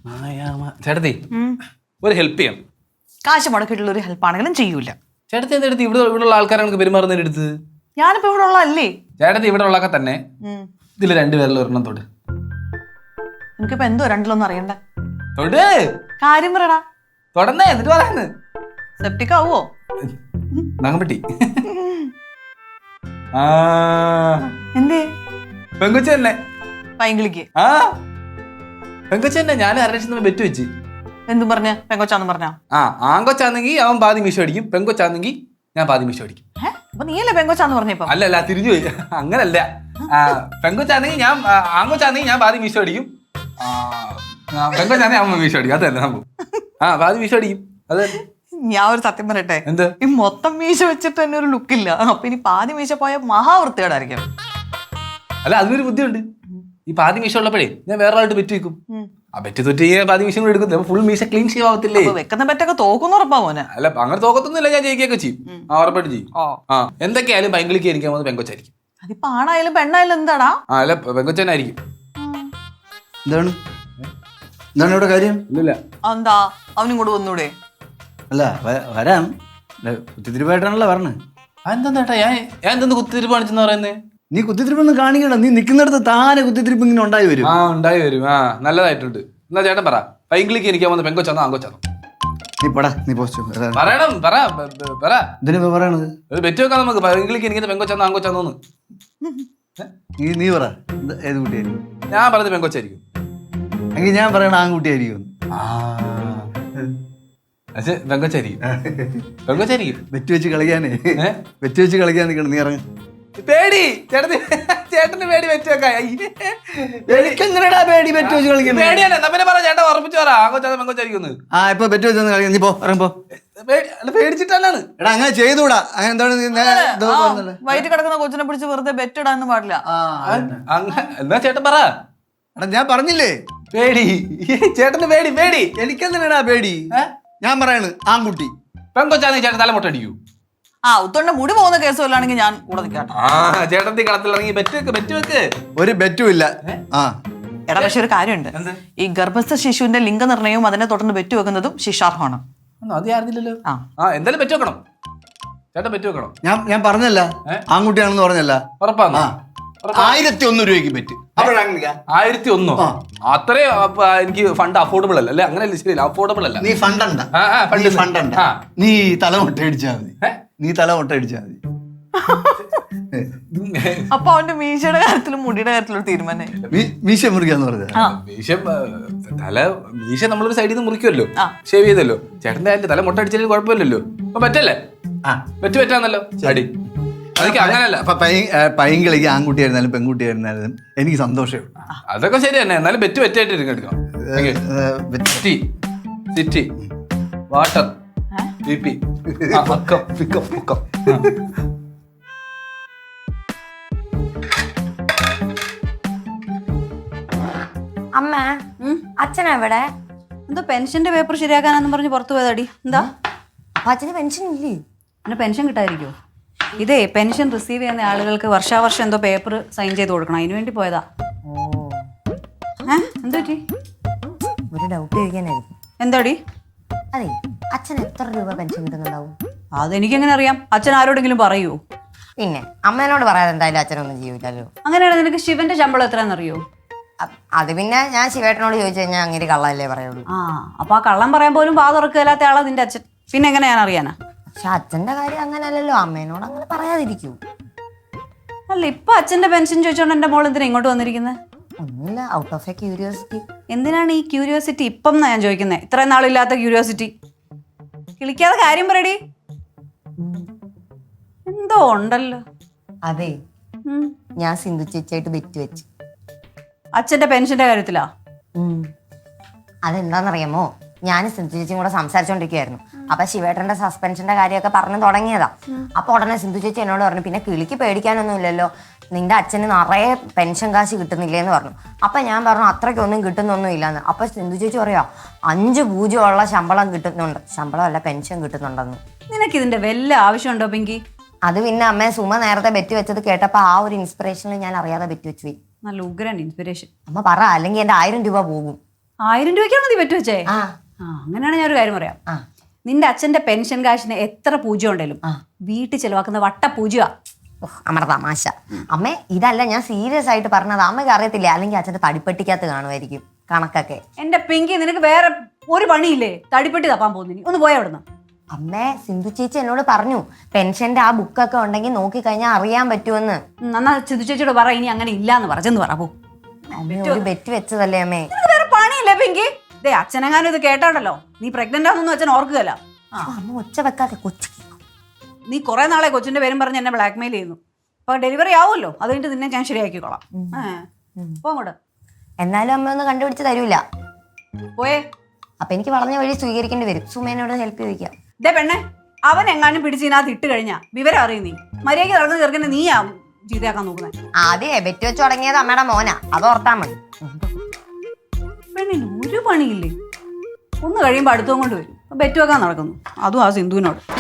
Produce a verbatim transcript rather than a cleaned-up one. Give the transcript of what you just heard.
ചേട്ടത്തി ഒരു ഹെൽപ്പ് ചെയ്യാം. കാശ് മുടക്കിയിട്ടുള്ള ഒരു ഹെൽപ്പ് ആണെങ്കിലും ചെയ്യൂല. ചേട്ടത്തി എന്തെടുത്ത് ഇവിടെ ഇവിടെ ഉള്ള ആൾക്കാരാണ് പെരുമാറുന്നതിന് എടുത്ത്? ഞാനിപ്പോ ഇവിടെ ഉള്ളതല്ലേ. ചേട്ടത്തി ഇവിടെ ഉള്ളൊക്കെ തന്നെ ഇതിൽ രണ്ടുപേരിൽ ഒരെണ്ണം തൊട്. എനിക്കിപ്പോ എന്തോ രണ്ടിലൊന്നും അറിയണ്ട. തൊട്, കാര്യം പറയടാ. തൊടന്നേ എന്നിട്ട് പറയാന്ന്. സെപ്റ്റിക് ആവോ? നങ്ങപ്പെട്ടി. ആ എന്തേ? പെങ്കൊച്ച തന്നെ. പൈങ്കിളിക്ക് ആ പെങ്കൊച്ച തന്നെ. ഞാൻ അര ലക്ഷം ബെറ്റ് വെച്ച്. എന്തും പറഞ്ഞ പെങ്കൊച്ചാന്ന് പറഞ്ഞ? ആ ആങ്കൊച്ചാന്നെങ്കിൽ അവൻ പാതി മീശോ അടിക്കും, പെങ്കൊച്ചാന്നെങ്കിൽ ഞാൻ പാതി മീശോ അടിക്കും. അപ്പൊ നീയല്ലേ പെങ്കൊച്ചാന്ന് പറഞ്ഞപ്പോ? അല്ല അല്ല തിരിഞ്ഞു പോയി. അങ്ങനല്ല, പെങ്കൊച്ചാന്നെങ്കിൽ ഞാൻ ആങ്കൊച്ചാന്നെങ്കിൽ ഞാൻ പാതി മീശോ അടിക്കും, പെങ്കൊച്ചാന്നെങ്കിൽ അമ്മ മീശോ അടിക്കും. അതല്ല സംഭവം. ആ പാതി മീശോ അടിക്കും. അതെ. ഞാൻ ഒരു സത്യം പറയട്ടെ, എന്ത് ഈ മൊത്തം മീശ വെച്ചിട്ട് തന്നെ ഒരു ലുക്കില്ല. അപ്പൊ ഇനി പാതി മീശ പോയ മഹാവൃത്തിയോടായിരിക്കും. അല്ല അതിനൊരു ബുദ്ധിയുണ്ട്. ഈ പാതി മീശ ഉള്ളപ്പോഴേ ഞാൻ വേറെ ആളായിട്ട് ബെറ്റ് വെക്കും. ആ ബെറ്റ് തൊറ്റ് പാതി മീശ കൂടെ എടുക്കും. ഫുൾ മീശ ക്ലീൻ ചെയ്യാവത്തില്ലേ? വെക്കുന്ന ബെറ്റൊക്കെ തോക്കുന്ന ഉറപ്പാ മോനെ. അല്ല അങ്ങനെ തോക്കത്തൊന്നുമില്ല, ഞാൻ ജയിക്കുകയൊക്കെ ചെയ്യും. ആ ഉറപ്പായിട്ട് ചെയ്യും. ആ എന്തൊക്കെയായാലും പൈങ്കിളിക്ക് എനിക്ക് പോകുന്നത് പെങ്കൊച്ചായിരിക്കും. അതിപ്പോ ആണായാലും പെണ്ണായാലും എന്താടാ? ആ അല്ല പെങ്കൊച്ചനായിരിക്കും. എന്താണ് എന്താണ് ഇവിടെ കാര്യം? ഇല്ല എന്താ അവനും കൂടെ വന്നൂടെ? അല്ല വരാം, കുത്തിത്തിരിപ്പായിട്ടാണല്ലോ പറഞ്ഞത്. അതെന്താ ചേട്ടാ ഞാൻ ഞാൻ എന്തെന്ന് കുത്തിരിപ്പ് കാണിച്ചെന്ന് പറയുന്നേ? നീ കുത്തിത്തിരിപ്പൊന്നും കാണിക്കണം. നീ നിൽക്കുന്നിടത്ത് താനെ കുത്തിത്തിരിപ്പ് ഇങ്ങനെ ഉണ്ടായി വരും. ആ ഉണ്ടായി വരും. ആ നല്ലതായിട്ടുണ്ട്. എന്നാ ചേട്ടൻ പറ, പൈങ്കിളിക്ക് എനിക്ക് പോകുന്നത് പെങ്കൊച്ചാന്നോ ആങ്കൊച്ചാന്നോ? നീ പടാ, നീ പോസ്റ്റ് പറയണം. പറ പറ ഇതിനിപ്പോ പറയണത് ഒരു ബെറ്റ് വെക്കാം നമുക്ക്. പൈങ്കിളിക്ക് എനിക്ക് പെങ്കൊച്ചാന്നോ ആങ്കൊച്ചാന്നോന്ന് നീ നീ പറ ഏത് കുട്ടിയായിരിക്കും? ഞാൻ പറഞ്ഞത് പെങ്കൊച്ചായിരിക്കും. എങ്കിൽ ഞാൻ പറയണ ആൺകുട്ടിയായിരിക്കും. പക്ഷെ പെങ്കൊച്ചായിരിക്കും. പെങ്കൊച്ചായിരിക്കും. ബെറ്റ് വെച്ച് കളിക്കാനേ ബെറ്റ് വെച്ച് കളിക്കാൻ നിൽക്കണം. നീ ഇറങ്ങ. പേടി ചേട്ടന് ചേട്ടന് പേടി വെച്ച് വെക്കാം. എനിക്കെങ്ങനെയാ പേടി ബെറ്റ് വെച്ച് കളിക്കാൻ? പേടിയാണ്. എന്നാ പിന്നെ പറ ചേട്ടൻ ഉറപ്പിച്ചു പറ ആങ്കൊച്ചാന്നോ പെങ്കൊച്ചായിരിക്കും. ആ ഇപ്പൊ ബെറ്റ് വെച്ച് കളിക്കാൻ നീ പോ, ഇറങ്ങപ്പോ. പേടിച്ചിട്ടാണ്. എടാ അങ്ങനെ ചെയ്തുകൂടാ. അങ്ങനെ എന്താണ് വയറ്റിൽ കിടക്കുന്ന കൊച്ചിനെ പിടിച്ച് വെറുതെ ബെറ്റ് ഇടാനൊന്നും പാടില്ല. എന്നാ ചേട്ടൻ പറ. എടാ ഞാൻ പറഞ്ഞില്ലേ പേടി. ചേട്ടന് പേടി പേടി. എനിക്കെന്തിനാ പേടി? ഞാൻ പറയാണ് ആൺകുട്ടി. പെങ്കൊച്ചാന്ന് ചേട്ടൻ തലമുട്ട അടിക്കൂ. ആ ഉത്തോണ്ട മുടി പോകുന്ന കേസ് വല്ലാണെങ്കിൽ ഞാൻ കൂടെ നിൽക്കാം. ആ ചേട്ടൻ കളത്തിലിറങ്ങി ബെറ്റ് വെക്ക് ബെറ്റ് വെക്ക്. ഒരു ബെറ്റും ഇല്ല. ആ എടാ പക്ഷെ ഒരു കാര്യമുണ്ട്, ഈ ഗർഭസ്ഥ ശിശുവിന്റെ ലിംഗനിർണ്ണയവും അതിനെ തുടർന്ന് ബെറ്റ് വെക്കുന്നതും ശിക്ഷാർഹമാണ്. അത് അറിഞ്ഞില്ലല്ലോ. ആ എന്തായാലും ബെറ്റ് വെക്കണം. ചേട്ടൻ ബെറ്റ് വെക്കണം. ഞാൻ ഞാൻ പറഞ്ഞല്ല ആൺകുട്ടിയാണെന്ന് പറഞ്ഞല്ല. ഉറപ്പാണ്. ആയിരത്തി ഒന്ന് രൂപയ്ക്ക് ബെറ്റ്. ആയിരത്തി ഒന്നോ? അത്രയും എനിക്ക് ഫണ്ട് അഫോർഡബിൾ അല്ല. അല്ലെ അങ്ങനെയല്ല, ശരിയല്ല, അഫോർഡബിൾ അല്ല. നീ ഫണ്ടണ്ട ഫണ്ടണ്ട നീ തലമുട്ട അടിച്ചാ മതി. നീ തലമുട്ട അടിച്ചാ മതി. അപ്പൊ അവന്റെ മീശയുടെ കാര്യത്തിലും മുടിയുടെ കാര്യത്തിലും ഒരു തീരുമാനം. മീശ മുറിക്കാന്ന് പറഞ്ഞ മീശ തല മീശ നമ്മളൊരു സൈഡിൽ നിന്ന് മുറിക്കുമല്ലോ, ഷേവ് ചെയ്തല്ലോ. ചേട്ടന്റെ അതിന്റെ തല മുട്ട അടിച്ചാലും കുഴപ്പമില്ലല്ലോ. അപ്പൊ പറ്റല്ലേ? പറ്റു പറ്റാന്നല്ലോ അടി. അതൊക്കെ അങ്ങനല്ല. അപ്പൊ പൈങ്കിളിക്ക് ആൺകുട്ടിയായിരുന്നാലും പെൺകുട്ടിയായിരുന്നാലും എനിക്ക് സന്തോഷമേ ഉള്ളൂ. അതൊക്കെ ശരി തന്നെ. എന്നാലും ബെറ്റ് ബെറ്റായിട്ട് എടുക്കണം. City city water B P അക്കം പിക്കം പൊക്കം. അമ്മ അച്ഛനാ ഇവിടെ? എന്തോ പെൻഷന്റെ പേപ്പർ ശരിയാക്കാനെന്ന് പറഞ്ഞ് പുറത്തു പോയതാടി. എന്താ അപ്പൊ അച്ഛന് പെൻഷൻ ഇല്ലേ? പിന്നെ പെൻഷൻ കിട്ടാതിരിക്കോ? ഇതേ പെൻഷൻ റിസീവ് ചെയ്യുന്ന ആളുകൾക്ക് വർഷാവർഷം എന്തോ പേപ്പർ സൈൻ ചെയ്ത് കൊടുക്കണം, അതിനു വേണ്ടി പോയതാ. ഏഹ് എന്താ പറ്റി? ഒരു ഡൗട്ട് ചോദിക്കാനായിരുന്നു. എന്താടി? അതെ, അച്ഛൻ എത്ര രൂപ പെൻഷൻ കിട്ടുന്നുണ്ടാവും? അതെനിക്കെങ്ങനെ അറിയാം? അച്ഛൻ ആരോടെങ്കിലും പറയൂ? പിന്നെ അമ്മേനോട് പറയാതെ എന്തായാലും അച്ഛനൊന്നും ചെയ്യൂലല്ലോ. അങ്ങനെയാണ്. നിനക്ക് ശിവന്റെ ശമ്പളം എത്രയാണെന്നറിയോ? അത് പിന്നെ ഞാൻ ശിവേട്ടനോട് ചോദിച്ചു കഴിഞ്ഞാൽ അങ്ങനെ കള്ളല്ലേ പറയുള്ളൂ. ആ അപ്പൊ ആ കള്ളം പറയാൻ പോലും വാ തുറക്കില്ലാത്ത ആളാ നിന്റെ അച്ഛൻ. പിന്നെ എങ്ങനെ ഞാൻ അറിയാനാ? പക്ഷെ അച്ഛന്റെ കാര്യം അങ്ങനെയല്ലല്ലോ. അമ്മേനോട് അങ്ങനെ പറയാതിരിക്കൂ. അല്ല ഇപ്പൊ അച്ഛന്റെ പെൻഷൻ ചോദിച്ചോണ്ട് എന്റെ മോൾ എന്തിനാ ഇങ്ങോട്ട് വന്നിരിക്കുന്നത്? ഒന്നുമില്ല, ഔട്ട് ഓഫ് എ ക്യൂരിയോസിറ്റി. എന്തിനാണ് ഈ ക്യൂരിയോസിറ്റി ഇപ്പം എന്നാ ഞാൻ ചോദിക്കുന്നത്? ഇത്രയും നാളില്ലാത്ത ക്യൂരിയോസിറ്റി. കിളിക്കാതെ കാര്യം പറയടി. എന്തോ ഉണ്ടല്ലോ. അതെ, ഞാൻ സിന്ധു ചേച്ചിയായിട്ട് ബെറ്റ് വെച്ച്. അച്ഛന്റെ പെൻഷന്റെ കാര്യത്തിലാ? അതെന്താണെന്നറിയാമോ, ഞാൻ സിന്ധു ചേച്ചിയും കൂടെ സംസാരിച്ചോണ്ടിരിക്കുകയായിരുന്നു. അപ്പൊ ശിവേട്ടന്റെ സസ്പെൻഷന്റെ കാര്യമൊക്കെ പറഞ്ഞു തുടങ്ങിയതാ. അപ്പൊ ഉടനെ സിന്ധു ചേച്ചി എന്നോട് പറഞ്ഞു, പിന്നെ കിളിക്ക് പേടിക്കാനൊന്നും ഇല്ലല്ലോ, നിന്റെ അച്ഛന് നിറയെ പെൻഷൻ കാശ് കിട്ടുന്നില്ലേന്ന് പറഞ്ഞു. അപ്പൊ ഞാൻ പറഞ്ഞു അത്രയ്ക്കൊന്നും കിട്ടുന്നൊന്നും ഇല്ലാന്ന്. അപ്പൊ സിന്ധു ചേച്ചി പറയാ അഞ്ച് പൂജ്യമുള്ള ശമ്പളം കിട്ടുന്നുണ്ട്, ശമ്പളം അല്ല പെൻഷൻ കിട്ടുന്നുണ്ടെന്ന്. നിനക്ക് ഇതിന്റെ വല്ല ആവശ്യമുണ്ടോ പിങ്കി? അത് പിന്നെ അമ്മ സുമ നേരത്തെ ബെറ്റ് വെച്ചത് കേട്ടപ്പോ ആ ഒരു ഇൻസ്പിറേഷനിൽ ഞാൻ അറിയാതെ ബെറ്റ് വെച്ചു പോയി. നല്ല ഉഗ്രൻ ഇൻസ്പിറേഷൻ. അമ്മ പറ, അല്ലെങ്കിൽ എന്റെ ആയിരം രൂപ പോകും. ആയിരം രൂപയ്ക്കാണോ നീ പറ്റു വെച്ചേ? ആ ആ അങ്ങനെയാണ് ഞാൻ ഒരു കാര്യം പറയാം. ആ നിന്റെ അച്ഛന്റെ പെൻഷൻ കാശിന് എത്ര പൂജ്യം ഉണ്ടേലും വീട്ടിൽ ചെലവാക്കുന്ന വട്ട പൂജ്യ. അമ്മടെ തമാശ. അമ്മേ ഇതല്ല, ഞാൻ സീരിയസ് ആയിട്ട് പറഞ്ഞത്. അമ്മയ്ക്ക് അറിയത്തില്ല, അല്ലെങ്കിൽ അച്ഛന്റെ തടിപ്പെട്ടിക്കകത്ത് കാണുമായിരിക്കും കണക്കൊക്കെ. എന്റെ പിങ്കി, നിനക്ക് വേറെ ഒരു പണിയില്ലേ? തടിപ്പെട്ടി തപ്പാൻ പോകുന്നു. ഒന്ന് പോയ അവിടുന്ന്. അമ്മേ സിന്ധു ചേച്ചി എന്നോട് പറഞ്ഞു പെൻഷന്റെ ആ ബുക്കൊക്കെ ഉണ്ടെങ്കിൽ നോക്കി കഴിഞ്ഞാൽ അറിയാൻ പറ്റുമെന്ന്. നന്നാ സിന്ധു ചേച്ചിയോട് പറ, ഇനി അങ്ങനെ ഇല്ലാന്ന് പറഞ്ഞെന്ന് പറ. പോ. അമ്മേ ഒരു ബെറ്റ് വെച്ചതല്ലേ അമ്മേ. നിനക്ക് വേറെ പണിയില്ലേ പിങ്കി? ദേ അച്ഛനെങ്ങാനും ഇത് കേട്ടാണല്ലോ നീ പ്രഗ്നന്റ് ആണെന്നൊന്നും അച്ഛൻ ഓർക്കുകയല്ല. അമ്മ ഒച്ച വെക്കാതെ കൊച്ചു. നീ കുറെ നാളെ കൊച്ചിന്റെ പേരും പറഞ്ഞ് എന്നെ ബ്ലാക്ക് മെയിൽ ചെയ്യുന്നു. അപ്പൊ ഡെലിവറി ആവുമല്ലോ, അത് കഴിഞ്ഞിട്ട് നിന്നെ ഞാൻ ശരിയാക്കിക്കോളാം. പോ അങ്ങോട്ട്. എന്നാലും അമ്മ ഒന്നും കണ്ടുപിടിച്ച് തരൂല. പോയേ. അപ്പൊ എനിക്ക് വളഞ്ഞ വഴി സ്വീകരിക്കേണ്ടി വരും. സുമേനോട് ഹെൽപ്പ് ചോദിക്കാം. ദേ പെണ്ണെ, അവൻ എങ്ങാനും പിടിച്ചതിനകത്ത് ഇട്ട് കഴിഞ്ഞാ വിവരം അറിയും നീ. മര്യാദയ്ക്ക് നടക്കുന്ന ചെറുക്കനെ നീയാ ചീത്തയാക്കാൻ നോക്കുന്നത്. ആദ്യമേ ബെറ്റ് വെച്ച് തുടങ്ങിയത് അമ്മയുടെ മോനാ, അത് ഓർത്താ മതി. പെണ്ണിന് ഒരു പണിയില്ലേ? ഒന്ന് കഴിയുമ്പോ അടുത്തും കൊണ്ട് വരും. ബെറ്റ് വെക്കാൻ നടക്കുന്നു, അതും ആ സിന്ധുവിനോട്.